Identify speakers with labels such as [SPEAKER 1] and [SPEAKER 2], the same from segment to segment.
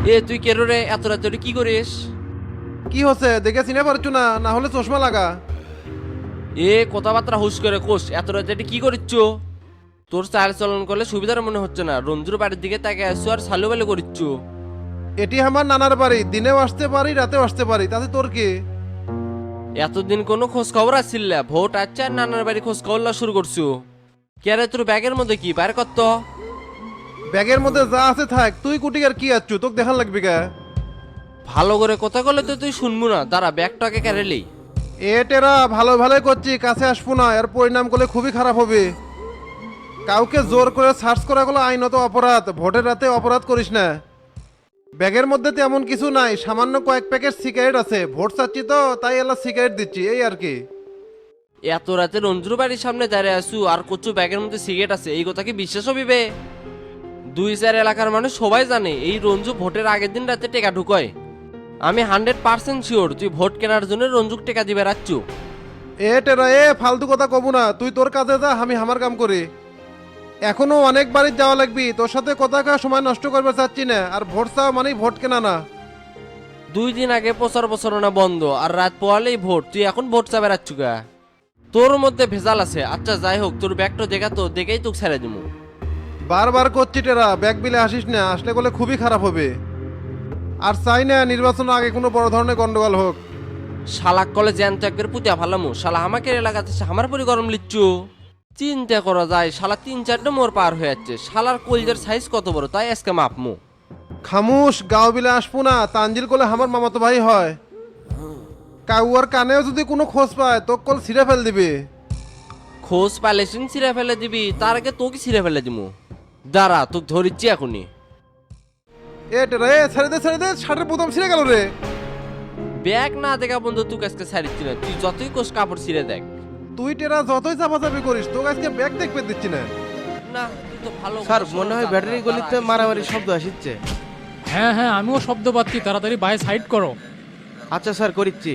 [SPEAKER 1] এ তুই কেরো রে এত রাতে কি করিস?
[SPEAKER 2] কি হচ্ছে দেখে চিনে পারছো না? না হলে চশমা লাগা।
[SPEAKER 1] এ কথাবার্তা হুশ করে কোষ, এত রাতে কি করিচ্ছ? তোর চাল চলন করলে সুবিধার মনে হচ্ছে না, রঞ্জুর বাড়ির দিকে তাকে আসছো আর সালু বালু করিচ্ছ।
[SPEAKER 2] এটি আমার নানার বাড়ি, দিনেও আসতে পারি রাতেও আসতে পারি, তাতে তোর কি?
[SPEAKER 1] এতদিন কোনো খোঁজ খবর আসছিল না, ভোট আসছে আর নানার বাড়ি খোঁজ খবর লওয়া শুরু করছো। কেরে তোর ব্যাগের মধ্যে কি বাইর করত?
[SPEAKER 2] ব্যাগের মধ্যে যা আছে থাক, তুই কুটিকার কি আচ্ছু, তোকে দেখান লাগবে কে?
[SPEAKER 1] ভালো করে কথা বললে তো তুই শুনবো না, দাঁড়া ব্যাগটাকে কেড়েলি।
[SPEAKER 2] এ টেরা ভালো ভালোই করছি, কাছে আসবো না, এর পরিণাম করলে খুবই খারাপ হবে। কাউকে জোর করে সার্চ করা গুলো আইনত অপরাধ, ভোটের রাতে অপরাধ করিস না। ব্যাগের মধ্যে তেমন কিছু নাই, সামান্য কয়েক প্যাকেট সিগারেট আছে, ভোট চাচ্ছি তো তাই এলা সিগারেট দিচ্ছি, এই আর কি।
[SPEAKER 1] এত রাতে রঞ্জুর বাড়ির সামনে দাঁড়িয়ে আসু আর কচু ব্যাগের মধ্যে সিগারেট আছে, এই কথা কি বিশ্বাস হবিবে? 2-4 এলাকার মানুষ সবাই জানে এই রঞ্জু ভোটের আগের দিন রাতে টেকা ঢুকয়। আমি 100% শিওর তুই ভোট কেনার জন্য রঞ্জুক টেকা দিবে রাখছু।
[SPEAKER 2] এ টেরা ফালতু কথা কব না, তুই তোর কাজে যা, আমি আমার কাম করি। এখনো অনেক বাড়ি যাওয়া লাগবি, তোর সাথে কথা কা সময় নষ্ট করবে চাচ্ছি না, আর ভোট চাও মানেই ভোট কেনা না।
[SPEAKER 1] 2 দিন আগে প্রচার প্রচারণা বন্ধ আর রাত পোয়ালেই ভোট, তুই এখন ভোট চাবে রাখছু গা? তোর মধ্যে ভেজাল আছে। আচ্ছা যাই হোক, তোর ব্যাগটা দেখা তো, দেখেই তোকে ছেড়ে দিবো।
[SPEAKER 2] বারবার করছি টেরা, ব্যাগ বিলে আসিস না, আসলে বলে খুবই খারাপ হবে। আর চাই না নির্বাচনের আগে কোনো বড় ধরনের গন্ডগোল হোক।
[SPEAKER 1] শালাক কলে জ্যান্ত একবার পুতিয়া ফালামু, শালা আমাকে এলাকাতে এসে আমার পরি গরম লিচ্ছু। চিন্তা করা যায়, শালা 3-4টা মোর পার হয়ে যাচ্ছে, শালার কলজের সাইজ কত বড় তাই আজকে মাপমু।
[SPEAKER 2] খামুশ, গাঁও বিলে আসবো না, তানজিল কোলে আমার মামাতো ভাই হয়। কাউয়ার কানেও যদি কোনো খোঁজ পায় তো কল ছিঁড়ে ফেল দিবে।
[SPEAKER 1] খোঁজ পালেছিন ছিঁড়ে ফেলে দিবি, তার আগে তোকে ছিঁড়ে ফেলে দিমু। দাঁড়া তোকে ধরিচ্ছি এখনই।
[SPEAKER 2] টেরা ছেড়ে দে, শার্টের বোতাম ছিঁড়ে গেল রে।
[SPEAKER 1] ব্যাগ না দেখা বন্ধু, তুই আজকে ছাড়িচ্ছি না, তুই যতই কোষ কাপড় ছিঁড়ে দেখ।
[SPEAKER 2] তুই টেরা যতই চাপাচাপি করিস, তোকে আজকে ব্যাগ দেখতে দিচ্ছি না।
[SPEAKER 1] না তুই তো ভালো
[SPEAKER 3] স্যার
[SPEAKER 1] কথা
[SPEAKER 3] মনে হয়
[SPEAKER 1] শোনো,
[SPEAKER 3] ব্যাটারি
[SPEAKER 1] দাঁড়া,
[SPEAKER 3] গলিতে
[SPEAKER 1] দাঁড়া,
[SPEAKER 3] মারামারি
[SPEAKER 1] কিছু
[SPEAKER 3] শব্দ আসছে।
[SPEAKER 4] হ্যাঁ হ্যাঁ, আমিও শব্দ পাচ্ছি, তাড়াতাড়ি বাইরে সাইড করো।
[SPEAKER 3] আচ্ছা স্যার করিচ্ছি।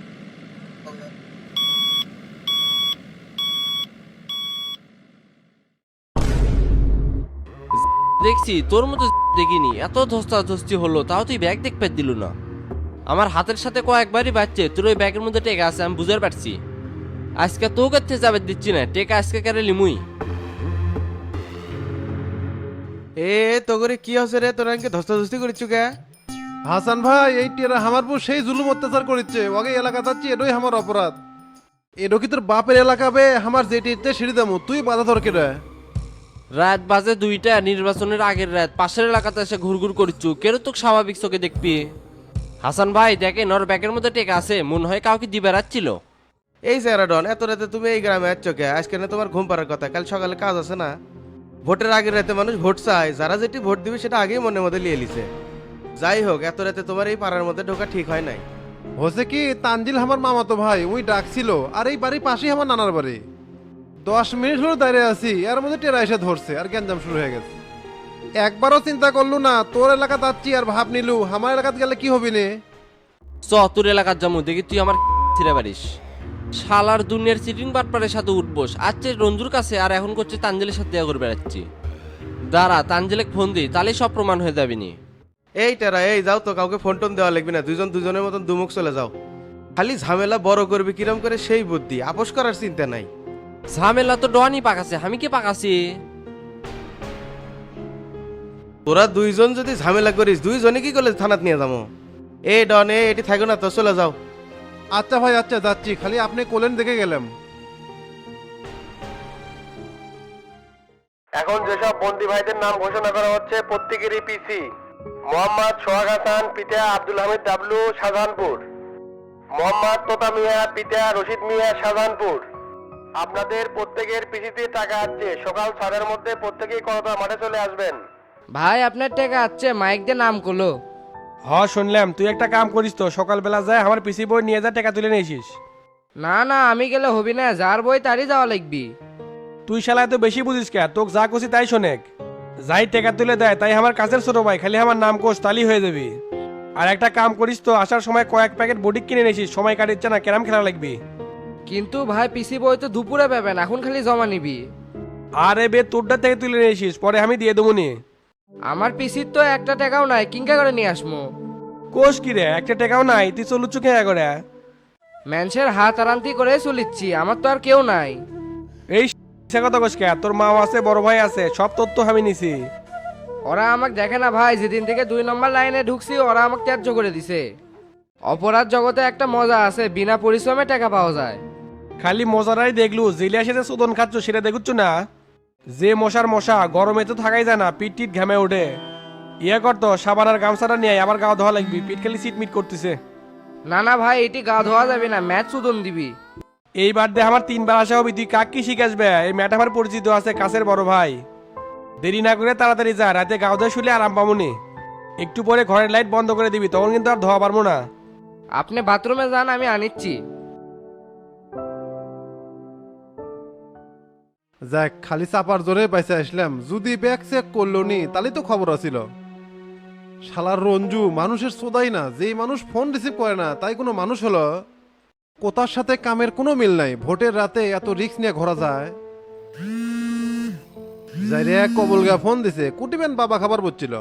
[SPEAKER 1] দেখছি তোর মতো দেখিনি, এত ধস্তাধস্তি হলো তাও তুই ব্যাগ দেখতে দিল না। আমার হাতের সাথে কয়েকবারই বাচ্চে তোর ওই ব্যাগের মধ্যে টেকা আছে, আমি বুঝতে পারছি। আজকে তো করতে যাবে দিচ্ছি না, টেকা আজকে কেড়ে লিমুই।
[SPEAKER 3] তো করে কি হচ্ছে রে, তোরা এনকে ধস্তাধস্তি করিচ্ছু কে?
[SPEAKER 2] হাসান ভাই, এই টেরা আমার পর সেই জুলুম অত্যাচার করিচ্ছে, ওকে এলাকা যাচ্ছি, এটাই আমার অপরাধ। এটো কি তোর বাপের এলাকা বে? আমার যেটি ইচ্ছে সিঁড়ি দামু, তুই বাধা ধরকে রে।
[SPEAKER 1] রাত বাজে 2টা, নির্বাচনের আগের রাত, পাশের এলাকাতে এসে ঘুরঘুর করছু, কেন তোকে স্বাভাবিক চোখে দেখবি? হাসান ভাই দেখেন ওর ব্যাগের মধ্যে টেকা আছে, মনে হয় কাউকে দিবে রাখছিল।
[SPEAKER 3] এই স্যারাডন, এত রাতে তুমি এই গ্রামে আসছ কে? আজকে না তোমার ঘুম পাড়ার কথা, কাল সকালে কাজ আছে না? ভোটের আগের রাতে মানুষ ভোট চায়, যারা যেটি ভোট দিবে সেটা আগেই মনের মধ্যে লিয়ে লিছে। যাই হোক, এত রাতে তোমার এই পাড়ার মধ্যে ঢোকা ঠিক হয় নাই।
[SPEAKER 2] হচ্ছে কি, তানজিল আমার মামাতো ভাই, ওই ডাকছিল, আর এই বাড়ির পাশেই আমার নানার বাড়ি। 10 মিনিট হলো দাঁড়িয়ে আছি, এর মধ্যে টেরা এসে ধরছে, আর গ্যাঞ্জাম শুরু হয়ে গেছে। একবারও চিন্তা করলু না তোর এলাকা যাচ্ছি আর ভাব নিলু আমার এলাকাতে গেলে কি হবি নে?
[SPEAKER 1] তোর এলাকার জামু দেখি তুই আমার ছিঁড়ে পারিস। শালার দুনিয়ার চিটিং বাটপারের সাথে উঠবোস, আজকে রঞ্জুর কাছে আর এখন করছে তানজিলের সাথে দেখা করে বেড়াচ্ছি। দাঁড়া তানজিলে ফোন দিই, তাহলেই সব প্রমাণ হয়ে যাবি নি।
[SPEAKER 3] এই টেরা, এই যাও তো, কাউকে ফোন টোন দেওয়া লাগবে না, দুজন দুজনের মতন দুমুখ চলে যাও। খালি ঝামেলা বড় করবি কিরম করে সেই বুদ্ধি, আপোষ করার চিন্তা নাই।
[SPEAKER 1] ঝামেলা তো ডনি পাকাছে, আমি কি পাকাছি?
[SPEAKER 3] তোরা দুইজন যদি ঝামেলা করিস, দুইজনে কি করলে থানাত নিয়ে যাবো। এই ডন, এটি থাকো না তো, চলে যাও।
[SPEAKER 2] আচ্ছা ভাই আচ্ছা, যাচ্ছি, খালি আপনি কোলেন দেখে গেলাম।
[SPEAKER 5] এখন যেসব বন্দি ভাইদের নাম ঘোষণা করা হচ্ছে প্রত্যেকেরই পিসি: মোহাম্মদ সোহাগ হাসান পিতা আব্দুল হামিদ ডাবলু শাহজাহানপুর, মোহাম্মদ তোতা মিয়া পিতা রশিদ মিয়া শাহজাহানপুর। আপনাদের প্রত্যেকের পিসিতে টাকা আছে, সকাল 6টার মধ্যে প্রত্যেকেই করতোয়া মাঠে চলে আসবেন।
[SPEAKER 6] ভাই আপনার টাকা আছে, মাইক দিয়ে নাম করলো।
[SPEAKER 7] শুনলাম তুই একটা কাম করিস তো, সকালবেলা যায় আমার পিসি বই নিয়ে যা, টাকা তুলে নিয়েছিস।
[SPEAKER 6] না না, আমি গেলে হবি না, যার বই তারই যাওয়া লাগবি।
[SPEAKER 7] তুই শালা এত বেশি বুঝিস কে? তোকে যা কছি তাই শোনেক। যাই টাকা তুলে দেয় তাই আমার কাছের ছোট ভাই, খালি আমার নাম কোষ তালি হয়ে যাবি। আর একটা কাম করিস তো, আসার সময় কয়েক প্যাকেট বডি কিনে নিয়েছিস, সময় কাটিচ্ছে না, ক্যারাম খেলা লাগবি।
[SPEAKER 6] কিন্তু ভাই পিসি বই তো দুপুরে পাবেন, এখন খালি জমা নিবি।
[SPEAKER 7] আরে বে, তোরটা থেকে তুলে নিয়েছিস, পরে আমি দিয়ে দেবো নি।
[SPEAKER 6] আমার পিসির তো একটা টাকাও নাই, কিংকা করে নিয়ে আসমো?
[SPEAKER 7] কোষ কি রে, একটা টাকাও নাই, তুই চলুচ্ছু খেয়া করে।
[SPEAKER 6] মানুষের হাত আরান্তি করে চলিচ্ছি, আমার তো আর কেউ নাই।
[SPEAKER 7] এই সে কথা কোষ কে, তোর মাও আছে, বড় ভাই আছে, সব তথ্য আমি নিছি।
[SPEAKER 6] ওরা আমাকে দেখে না ভাই, যেদিন থেকে 2 নম্বর লাইনে ঢুকছি ওরা আমাকে ত্যায্য করে দিছে। অপরাধ জগতে একটা মজা আছে, বিনা পরিশ্রমে টাকা পাওয়া যায়।
[SPEAKER 7] খালি মজারাই দেখলু, জেলে এসে যে চোদন খাচ্ছ সেটা দেখুচ্ছ না? যে মশার মশা, গরমে তো থাকাই যায় না, পিট টিট ঘামে ওঠে। ইয়ে করতো, সাবান আর গামছাটা নিয়ে আবার গা ধোয়া লাগবি, পিট খালি সিটমিট করতেছে।
[SPEAKER 6] না না ভাই, এটি গা ধোয়া যাবে না, ম্যাচ চুদন দিবি।
[SPEAKER 7] এইবার দে আমার 3বার আসা হবি, তুই কাক কি শিখাসবে? এই ম্যাট আমার পরিচিত আছে, কাছের বড় ভাই। দেরি না করে তাড়াতাড়ি যা, রাতে গাও ধোয়া শুলে আরাম পামুনি। একটু পরে ঘরের লাইট বন্ধ করে দিবি, তখন কিন্তু আর ধোয়া পারবো না।
[SPEAKER 6] আপনি বাথরুমে যান, আমি আনিচ্ছি।
[SPEAKER 2] যাক, খালি চাপার জোরে পাইছে আসলাম, যদি ব্যাগ চেক করলো নি তাহলে তো খবর আছিল। শালার রঞ্জু মানুষের সোদাই না, যেই মানুষ ফোন রিসিভ করে না তাই কোনো মানুষ হলো? কোথার সাথে কামের কোনো মিল নাই, ভোটের রাতে এত রিস্ক নিয়ে ঘোরা যায়? যাই রে, কবলগা ফোন দিছে, কুটিবেন বাবা খাবার বলছিল।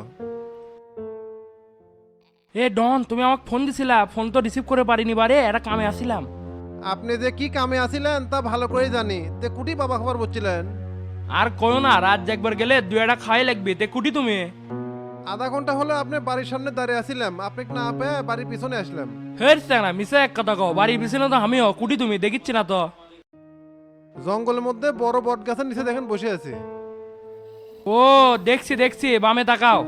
[SPEAKER 8] এ ডন, তুমি আমাকে ফোন দিছিলা, ফোন তো রিসিভ করে পারিনি বারে, একটা কামে আসিলাম।
[SPEAKER 2] আপনি যে কি কামে আছিলেন তা ভালো করেই জানি, তে কুটি বাবা খাবার বলছিলেন?
[SPEAKER 8] আর কয়ো না, রাত একবার গেলে 2 খাই লাগবে, তে কুটি তুমি।
[SPEAKER 2] আধা ঘন্টা হলো আপনি বাড়ির সামনে দাঁড়িয়ে আছিলাম, আপনি না পেয়ে বাড়ির পিছনে আসলাম।
[SPEAKER 8] হের না মিশে এক কথা কও, বাড়ির পিছনে তো আমিও, কুটি তুমি দেখিচ্ছি না তো।
[SPEAKER 2] জঙ্গলের মধ্যে বড় বট গাছের নিচে দেখেন বসে আছি।
[SPEAKER 8] ও দেখছি দেখছি, বামে তাকাও।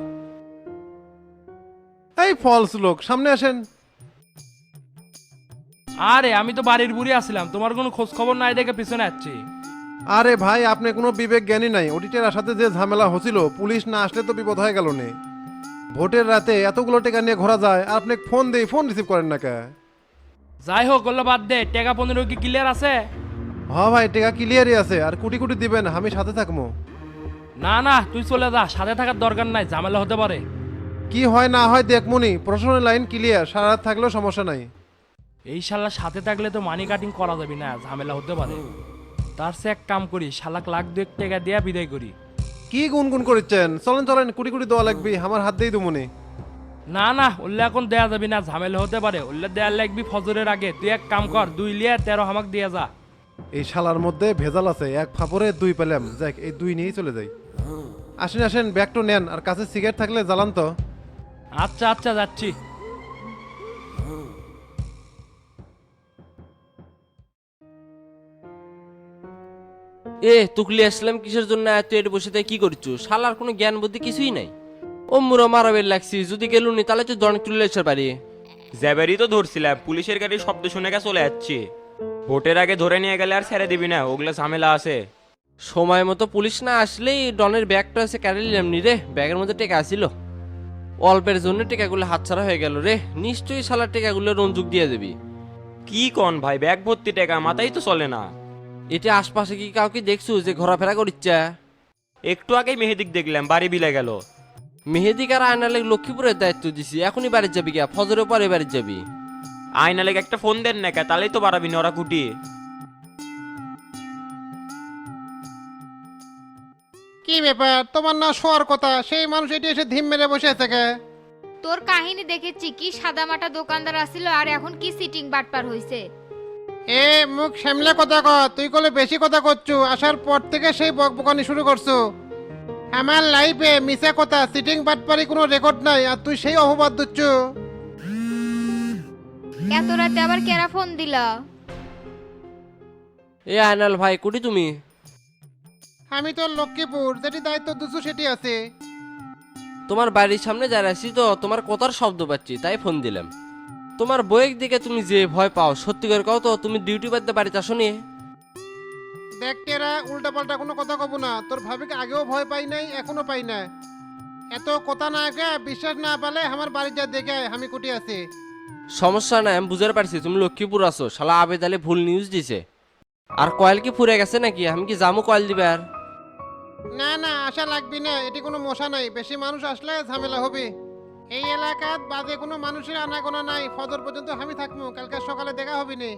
[SPEAKER 2] এই ফলস লোক, সামনে আসেন।
[SPEAKER 8] আরে আমি তো বাড়ির বুড়ি আসছিলাম, তোমার কোনো খোঁজ খবর নাই দেখে পিছনে আসছি।
[SPEAKER 2] আরে ভাই, আপনি কোনো বিবেক জ্ঞানী নাই, অডিটের সাথে যে ঝামেলা হচ্ছিল, পুলিশ না আসলে তো বিপদ হয়ে গেল নে। ভোটের রাতে এতগুলো টাকা নিয়ে ঘোরা যায় আর আপনি ফোন দেই, ফোন রিসিভ করেন না কে?
[SPEAKER 8] যাই হোক, ওগুলো বাদ দে, টাকা 15 কি ক্লিয়ার আছে?
[SPEAKER 2] হ্যাঁ ভাই, টাকা ক্লিয়ারই আছে, আর কোটি কোটি দিবেন, আমি সাথে থাকবো।
[SPEAKER 8] না না, তুই চলে যা, সাথে থাকার দরকার নাই, ঝামেলা হতে পারে।
[SPEAKER 2] কি হয় না হয় দেখমুনি, প্রশাসনের লাইন ক্লিয়ার, সারা রাত থাকলেও সমস্যা নাই।
[SPEAKER 8] এই শালা সাথে থাকলে তো মানি কাটিং করা যাবে না, ঝামেলা হতে পারে। তার সে এক কাম করি, শালাক লাখ 2 টাকা দিয়া বিদায় করি।
[SPEAKER 2] কি গুনগুন করছেন? চলেন চলেন, কোটি কোটি দেওয়া লাগবে, আমার হাত দিয়ে দুমুনি।
[SPEAKER 8] না না, উল্লে এখন দেয়া যাবে না, ঝামেলা হতে পারে, উল্লে দেয়া লাগবি ফজরের আগে। তুই এক কাম কর, 2 লিয়া 13 হামাক দিয়ে যা।
[SPEAKER 2] এই শালার মধ্যে ভেজাল আছে, এক ফাপরে 2 পেলাম, যাক এই 2 নিয়েই চলে যাই। আসেন আসেন, ব্যাগটা নেন, আর কাছে সিগারেট থাকলে জ্বালান তো।
[SPEAKER 8] আচ্ছা আচ্ছা, যাচ্ছি।
[SPEAKER 1] তুকলি আসলাম কিসের জন্য? এত এর বসে তাই কি করছো? শালার কোনো জ্ঞান বুদ্ধি কিছুই নাই। ও মুরো মারাবের লাগছি, যদি গেলুনি তাহলে তো জন তুলে এসে পারি।
[SPEAKER 9] জ্যাবেরই তো ধরছিলাম, পুলিশের গাড়ির শব্দ শুনে গে চলে যাচ্ছি। ভোটের আগে ধরে নিয়ে গেলে আর ছেড়ে দিবি না, ওগুলো ঝামেলা আছে।
[SPEAKER 1] সময় মতো পুলিশ না আসলেই ডনের ব্যাগটা এসে কেড়ে নিলাম নি রে, ব্যাগের মধ্যে টেকা আসিল। অল্পের জন্য টেকাগুলো হাতছাড়া হয়ে গেল রে, নিশ্চয়ই শালার টেকাগুলো রঞ্জুক দিয়ে দেবি।
[SPEAKER 9] কি কন ভাই, ব্যাগ ভর্তি টাকা, মাথাই তো চলে না।
[SPEAKER 1] এটা আশপাশে কি কাউকে দেখছো যে ঘোরাফেরা করিচ্ছে?
[SPEAKER 9] একটু আগেই মেহেদিক দেখলাম, বাড়ি বিলে গেল।
[SPEAKER 1] মেহেদিক আর আয়নালে লক্ষ্মীপুরের দায়িত্ব দিছি, এখনই বাড়ি যাবি গা, ফজরের পরে বাড়ি যাবি।
[SPEAKER 9] আয়না লেগে একটা ফোন দেন না কে, তাহলেই তো বাড়াবি না ওরা কুটি।
[SPEAKER 2] কি ব্যাপার, তোমার না শোয়ার কথা, সেই মানুষ এটি এসে ধিম মেরে বসে আছে কে?
[SPEAKER 10] তোর কাহিনী দেখেছি, কি সাদামাটা দোকানদার আসিল আর এখন কি সিটিং বাটপার হইছে।
[SPEAKER 2] এ মুখ সামলে কথা কর, তুই কলে বেশি কথা করছু, আসার পর থেকে সেই বকবকানি শুরু করছো। আমার লাইফে মিছা কথা, সিটিং বাটপারি কোনো রেকর্ড নাই, আর তুই সেই অপবাদ দিচ্ছ।
[SPEAKER 10] এত রাতে আবার কেরা ফোন দিলা?
[SPEAKER 1] এ আয়নাল ভাই, কুটি তুমি?
[SPEAKER 2] আমি তো লক্ষ্মীপুর, যেটি দায়িত্ব দিচ্ছ সেটি আছে।
[SPEAKER 1] তোমার বাড়ির সামনে দাঁড়াইছি তো, তোমার কথার শব্দ পাচ্ছি তাই ফোন দিলাম। তোমার বইয়ের দিকে তুমি যে ভয় পাও, সত্যি করে কও তো, তুমি ডিউটি বাদতে বাড়িতে আসো নি?
[SPEAKER 2] দেখ টেরা, উল্টা পাল্টা কোনো কথা কব না, তোর ভাবিকে আগেও ভয় পাই নাই, এখনো পাই না। এত কথা না কে, বিশ্বাস না পালে আমার বাড়ি যা দেখে আয়, আমি কুটি আছি।
[SPEAKER 1] সমস্যা নাই, আমি বুঝতে পারছি তুমি লক্ষ্মীপুর আছো। শালা আবেদ আলী ভুল নিউজ দিছে। আর কয়েল কি ফুরে গেছে নাকি? আমি কি জামু কয়েল দিবার?
[SPEAKER 2] না না, আশা লাগবি না, এটি কোনো মশা নাই, বেশি মানুষ আসলে ঝামেলা হবে। এই এলাকাত বাজে কোনো মানুষের আনাগোনা নাই, ফজর পর্যন্ত আমি থাকবো, কালকে সকালে দেখা হবে নি।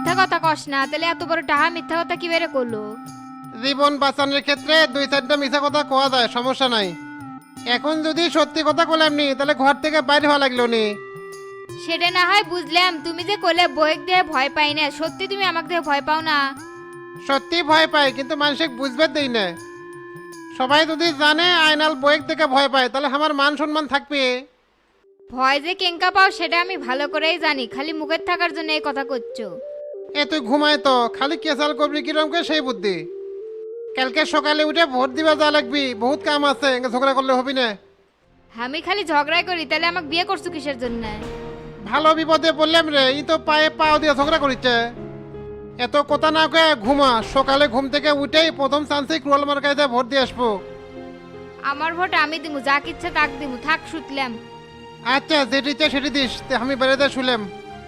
[SPEAKER 10] মিথ্যা কথা কস না, তাহলে এত বড় টাহা মিথ্যা কথা কি বেরে করলো?
[SPEAKER 2] জীবন বাঁচানোর ক্ষেত্রে 2-4টা মিছা কথা কোয়া যায়, সমস্যা নাই। এখন যদি সত্যি কথা বললাম নি তাহলে ঘর থেকে বাইরে হওয়া লাগলো নি।
[SPEAKER 10] সেটা না হয় বুঝলাম, তুমি যে কোলে বইক দিয়ে ভয় পাই না, সত্যি তুমি আমাকে দিয়ে ভয় পাও না?
[SPEAKER 2] সত্যি ভয় পাই, কিন্তু মানুষকে বুঝবে দেই না। সবাই যদি জানে আয়নাল বইক থেকে ভয় পায় তাহলে আমার মান সম্মান থাকবে।
[SPEAKER 10] ভয় যে কেঙ্কা পাও সেটা আমি ভালো করেই জানি, খালি মুখের থাকার জন্য এই কথা করছো।
[SPEAKER 2] এ তুই ঘুমায় তো, খালি কেসাল করবি কিরমকে সেই বুদ্ধি। কালকে সকালে উঠে ভোট দিবা যা লাগবি, বহুত কাম আছে, ঝগড়া করলে হবি না।
[SPEAKER 10] আমি খালি ঝগড়াই করি, তাহলে আমাকে বিয়ে করছো কিসের জন্য?
[SPEAKER 2] ভালো বিপদে বললাম রে, ই তো পায়ে পাও দিয়ে ঝগড়া করিচ্ছে। এত কথা না কয়ে ঘুমা, সকালে ঘুম থেকে উঠেই প্রথম চান্সে ক্রোল মার্কাইতে ভোট দিয়ে আসবো।
[SPEAKER 10] আমার ভোট আমি দিমু, যা ইচ্ছে তাক দিমু, থাক শুতলাম।
[SPEAKER 2] আচ্ছা, যেটি ইচ্ছে সেটি দিস, তে আমি বেড়াতে শুলাম।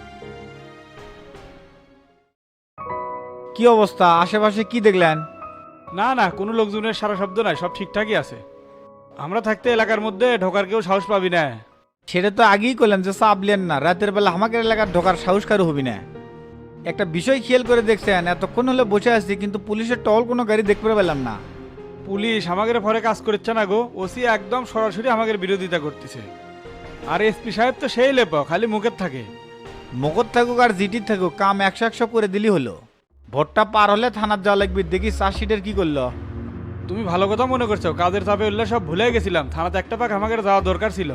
[SPEAKER 11] কি অবস্থা, আশেপাশে কি দেখলেন?
[SPEAKER 12] না না, কোনো লোকজনের সারা শব্দ নাই, সব ঠিকঠাকই আছে। আমরা থাকতে এলাকার মধ্যে ঢোকার কেউ সাহস পাবি না।
[SPEAKER 11] সেটা তো আগেই করলাম যে চাপলেন না, রাতের বেলা আমাদের এলাকার ঢোকার সাহস কারো হবি না। একটা বিষয় খেয়াল করে দেখছেন, এতক্ষণ হলে বসে আছি কিন্তু পুলিশের টহল কোনো গাড়ি দেখতে পেলাম না।
[SPEAKER 12] পুলিশ আমাদের পরে কাজ করছে না গো, ওসি একদম সরাসরি আমাদের বিরোধিতা করতেছে। আর এসপি সাহেব তো সেই লেপ, খালি মুখের থাকে।
[SPEAKER 11] মগজ থাকুক আর জিটি থাকুক, কাম 100 করে দিলি হলো। ভোটটা পার হলে থানার যাওয়া লাগবে, দেখি চার্জশিটের কি করলো।
[SPEAKER 12] তুমি ভালো কথা মনে করছো, কাজের চাপে উঠলে সব ভুলে গেছিলাম, থানাতে একটা পাক আমাদের যাওয়া দরকার ছিল।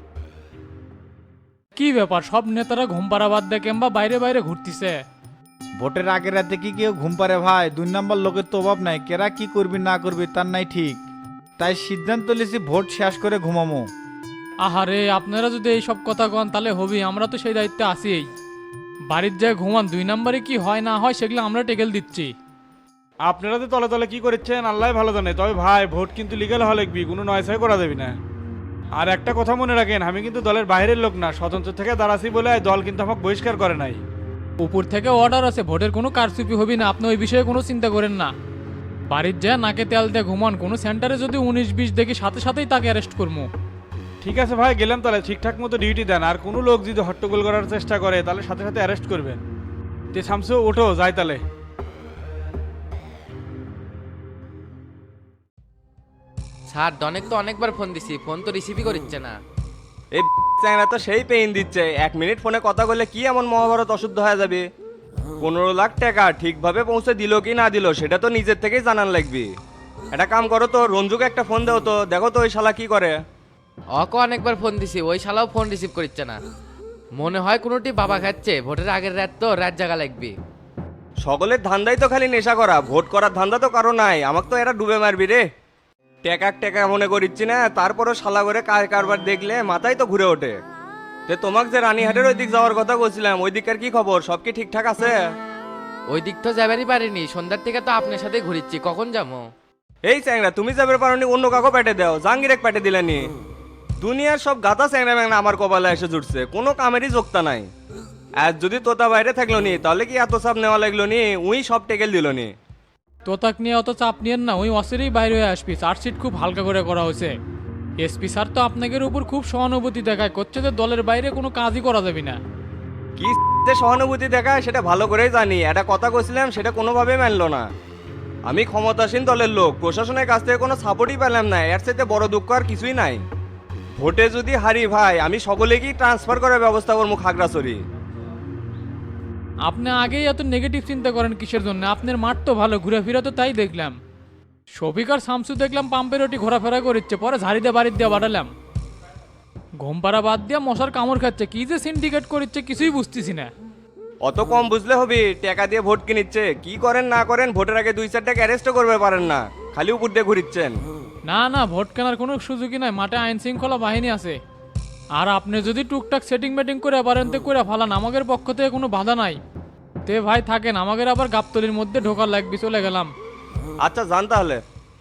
[SPEAKER 4] কি ব্যাপার, সব নেতারা ঘুম পাড়া বাদ দিয়ে কিংবা বাইরে বাইরে ঘুরতিছে?
[SPEAKER 11] ভোটের আগের রাতে কি কেউ ঘুম পারে ভাই? 2 নম্বর লোকের তো অভাব নাই, কেরা কি করবি না করবি তার নাই ঠিক। তাই সিদ্ধান্ত নিয়েছি ভোট শেষ করে ঘুমামো।
[SPEAKER 4] আহারে, আপনারা যদি এই সব কথা কন তাহলে হবি, আমরা তো সেই দায়িত্বে আছিই। বাড়ির যায় ঘুমান, 2 নম্বরে কি হয় না হয় সেগুলো আমরা টেকেল দিচ্ছি।
[SPEAKER 12] আপনারা তো তলে তলে কি করেছেন আল্লাহ ভালো জানে। তবে ভাই, ভোট কিন্তু লিগ্যাল হওয়া লাগবি, কোনো নয়ছয় করা যাবে না। আর একটা কথা মনে রাখেন, আমি কিন্তু দলের বাইরের লোক না, স্বতন্ত্র থেকে দাঁড়াছি বলে দল কিন্তু আমাকে বহিষ্কার করে নাই।
[SPEAKER 4] উপর থেকে অর্ডার আছে, ভোটের কোনো কারচুপি হবি না, আপনি ওই বিষয়ে কোনো চিন্তা করেন না। বাড়ির যায় নাকে তেল দিয়ে ঘুমান, কোনো সেন্টারে যদি 19-20 দেখি সাথে সাথেই তাকে অ্যারেস্ট করবো।
[SPEAKER 12] ঠিক আছে ভাই, গেলাম তাহলে। ঠিকঠাক মতো ডিউটি দেন, আর কোনো লোক যদি হট্টগোল করার চেষ্টা করে তাহলে সাথে সাথে অ্যারেস্ট করবেন। তে শামসু, ওঠো যাই তাহলে।
[SPEAKER 1] স্যার ডনেক তো অনেকবার ফোন দিছি, ফোন তো রিসিভই করছে না।
[SPEAKER 9] এই চ্যাংরা তো সেই পেইন দিচ্ছে, 1 মিনিট ফোনে কথা বললে কি এমন মহাভারত অশুদ্ধ হয়ে যাবে? 15 লাখ টাকা ঠিকভাবে পৌঁছে দিল কি না দিল সেটা তো নিজের থেকেই জানান লাগবে। একটা কাম করো তো, রঞ্জুকে একটা ফোন দাও তো, দেখো তো ওই শালা কি করে।
[SPEAKER 1] অকো অনেকবার ফোন দিছি, ওই শালাও ফোন রিসিভ করছে না। মনে হয় কোনোটি বাবা খাচ্ছে, ভোটের আগের রাত তো রাত জাগা লাগবে।
[SPEAKER 9] সকলের ধান্দাই তো খালি নেশা করা, ভোট করার ধান্দা তো কারো নাই। আমাকে তো এরা ডুবে মারবি রে। টেকা মনে করিচ্ছি না, তারপরও শালা করে কারবার দেখলে মাথায় তো ঘুরে ওঠে। তে তোমাকে যে রানীহাটের ওই দিক যাওয়ার কথা বলছিলাম, ওই দিককার কি খবর? সব কি ঠিকঠাক আছে?
[SPEAKER 1] ওই দিক তো যাবারই পারিনি, সন্ধ্যার থেকে তো আপনার সাথে ঘুরিচ্ছি, কখন যাবো?
[SPEAKER 9] এই চ্যাংরা, তুমি যাবে পারোনি, অন্য কাকো পেটে দাও, জাহাঙ্গীর পেটে দিলেনি। দুনিয়ার সব গাদা চ্যাংরা ম্যাংরা আমার কপালে এসে জুটছে, কোনো কামেরই যোগতা নাই। আর যদি তোতা বাইরে থাকলো নি তাহলে কি এত চাপ নেওয়া লাগলো নি? উই সব টেকেল দিল নি।
[SPEAKER 4] তোতাক নিয়ে অত চাপ নিয়েন না, ওই অসেরেই বাইরে হয়ে আসবি। চার্জশিট খুব হালকা করে করা হয়েছে। এসপি স্যার তো আপনাদের উপর খুব সহানুভূতি দেখায়, করছে যে দলের বাইরে কোনো কাজই করা যাবে না।
[SPEAKER 9] কি যে সহানুভূতি দেখায় সেটা ভালো করেই জানি। একটা কথা কইছিলাম সেটা কোনোভাবেই মানলো না। আমি ক্ষমতাসীন দলের লোক, প্রশাসনের কাছ থেকে কোনো সাপোর্টই পেলাম না। এর চাইতে বড় দুঃখ আর কিছুই নাই। ভোটে যদি হারি ভাই, আমি সকলেকেই ট্রান্সফার করার ব্যবস্থা করবো খাগড়াছড়ি।
[SPEAKER 4] আপনি আগেই এত নেগেটিভ চিন্তা করেন কিসের জন্য? আপনার মাঠ তো ভালো, ঘুরেফিরা তো তাই দেখলাম। শফিক আর শামসু দেখলাম পাম্পের ওটি ঘোরাফেরা করছে, পরে ঝাড়ি দিয়ে বাড়ির দিয়ে বাড়ালাম। ঘুম পাড়া বাদ দিয়ে মশার কামড় খাচ্ছে, কি যে সিন্ডিকেট করছে কিছুই বুঝতেছি না।
[SPEAKER 9] অত কম বুঝলে হবে? টাকা দিয়ে ভোট কিনিচ্ছে, কি করেন না করেন ভোটের আগে 2-4টাকে অ্যারেস্টও করবে পারেন না, খালি উপর দিয়ে ঘুরিচ্ছেন।
[SPEAKER 4] না না, ভোট কেনার কোনো সুযোগই নাই, মাঠে আইন শৃঙ্খলা বাহিনী আছে। আর আপনি যদি টুকটাক সেটিং মেটিং করে পারেন তো করে ফালান, আমাদের পক্ষ থেকে কোনো বাধা নাই। তে ভাই থাকেন, আমাদের আবার গাবতলির মধ্যে ঢোকার লাগবে, চলে গেলাম।
[SPEAKER 9] আচ্ছা যান তাহলে।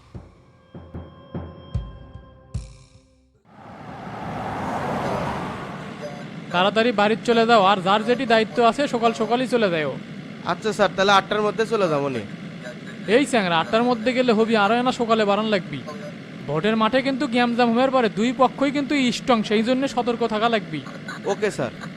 [SPEAKER 4] তাড়াতাড়ি বাড়ির চলে যাও, আর যার যেটি দায়িত্ব আছে সকাল সকালই চলে যাও।
[SPEAKER 3] আচ্ছা স্যার, তাহলে 8টার মধ্যে চলে যাবো নি।
[SPEAKER 4] এই স্যাংরা, 8টার মধ্যে গেলে হবি, আরো না সকালে বাড়ান লাগবি। ভোটের মাঠে কিন্তু গ্যামজাম হওয়ার পরে দুই পক্ষই কিন্তু স্ট্রং, সেই জন্য সতর্ক থাকা লাগবি।
[SPEAKER 3] Okay sir.